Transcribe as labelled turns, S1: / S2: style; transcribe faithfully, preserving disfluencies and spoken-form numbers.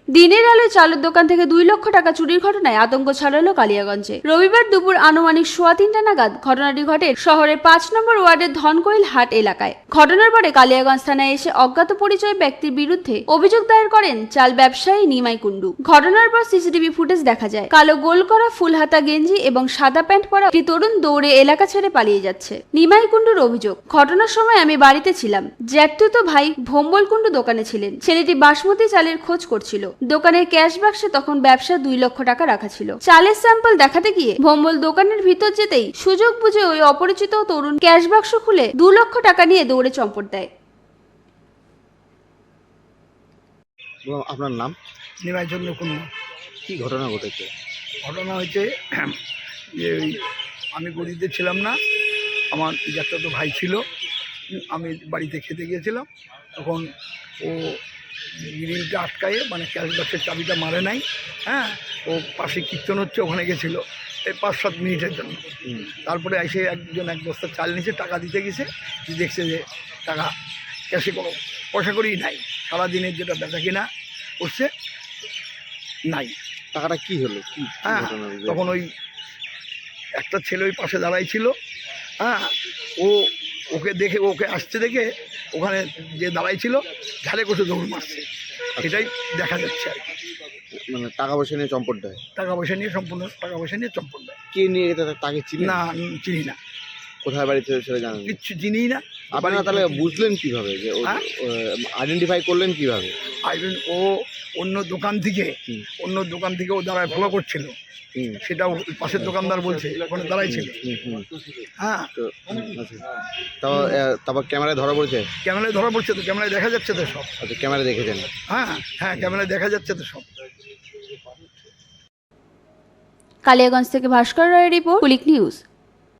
S1: দিনের আলোয় চালের দোকান থেকে দুই লক্ষ টাকা চুরির ঘটনায় আতঙ্ক ছড়ালো কালিয়াগঞ্জে। রবিবার দুপুর আনুমানিক সোয়া তিনটা নাগাদ ঘটনাটি ঘটে শহরের পাঁচ নম্বর ওয়ার্ডের ধনকৈল হাট এলাকায়। ঘটনার পরে কালিয়াগঞ্জ থানায় এসে অজ্ঞাত পরিচয় ব্যক্তির বিরুদ্ধে অভিযোগ দায়ের করেন চাল ব্যবসায়ী নিমাই কুন্ডু। ঘটনার পর সিসিটিভি ফুটেজ দেখা যায়, কালো গোল করা ফুল হাতা গেঞ্জি এবং সাদা প্যান্ট পরা একটি তরুণ দৌড়ে এলাকা ছেড়ে পালিয়ে যাচ্ছে। নিমাই কুন্ডুর অভিযোগ, ঘটনার সময় আমি বাড়িতে ছিলাম, জ্যাঠতুতো ভাই ভোম্বল কুন্ডু দোকানে ছিলেন। ছেলেটি বাসমতি চালের খোঁজ করছিল। দোকানের ক্যাশ বাক্সে তখন ব্যবসা দুই লক্ষ টাকা রাখা ছিল। চালের স্যাম্পল দেখাতে গিয়ে ভোম্বল দোকানের ভিতর যেতেই সুযোগ বুঝে ওই অপরিচিত তরুণ ক্যাশ বাক্স খুলে দু লক্ষ টাকা নিয়ে দৌড়ে চম্পট দেয়।
S2: আপনার নাম?
S3: নিমাই চন্দ্র কুন্ডু।
S2: কি ঘটনা ঘটেছে?
S3: ঘটনা হয়েছে যে ওই আমি গদিতে ছিলাম না, আমার জ্যাঠাতো ভাই ছিল, আমি বাড়িতে খেতে গিয়েছিলাম। তখন ও গ্রিলটা আটকায়ে মানে ক্যাশ বাক্সের চাবিটা মারে নাই। হ্যাঁ, ও পাশে কীর্তন হচ্ছে, ওখানে গেছিলো এই পাঁচ সাত মিনিটের জন্য। তারপরে এসে একজন এক বস্তা চাল নিচে টাকা দিতে গেছে, দেখছে যে টাকা ক্যাশে কোনো পয়সা করেই নাই, সারাদিনের যেটা বেচা কিনা করছে নাই।
S2: টাকাটা কি হলো? কি
S3: হ্যাঁ, তখন ওই একটা ছেলে ওই পাশে দাঁড়াই ছিল। হ্যাঁ, ও ওকে দেখে ওকে আসতে দেখে ওখানে যে দাঁড়াই ছিল ঝালে কষে দৌড় মারছে, এটাই দেখা যাচ্ছে আর কি।
S2: মানে টাকা পয়সা নিয়ে চম্পট দেয়?
S3: টাকা পয়সা নিয়ে সম্পূর্ণ টাকা পয়সা নিয়ে চম্পট দেয়।
S2: কে নিয়ে গেছে তাকে চিনি
S3: না, চিনি না।
S2: কোথায় বাড়িতে সেটা জানেন?
S3: কিচ্ছু চিনি না।
S2: আপনারা তাহলে বুঝলেন কিভাবে যে আইডেন্টিফাই করলেন কিভাবে?
S3: আইডেন ও অন্য দোকান থেকে অন্য দোকান থেকে ও দাঁড়ায় ফলো করছিল, সেটা পাশের দোকানদার বলছে ওখানে দাঁড়াই ছিল। হ্যাঁ,
S2: তারপর ক্যামেরায় ধরা পড়েছে?
S3: ক্যামেরায় ধরা পড়ছে তো, ক্যামেরায় দেখা যাচ্ছে তো সব।
S2: আচ্ছা, ক্যামেরায় দেখেছেন?
S3: হ্যাঁ হ্যাঁ, ক্যামেরায় দেখা যাচ্ছে তো সব।
S1: কালিয়াগঞ্জ থেকে ভাস্কর রায়ের রিপোর্ট, কুলিক নিউজ।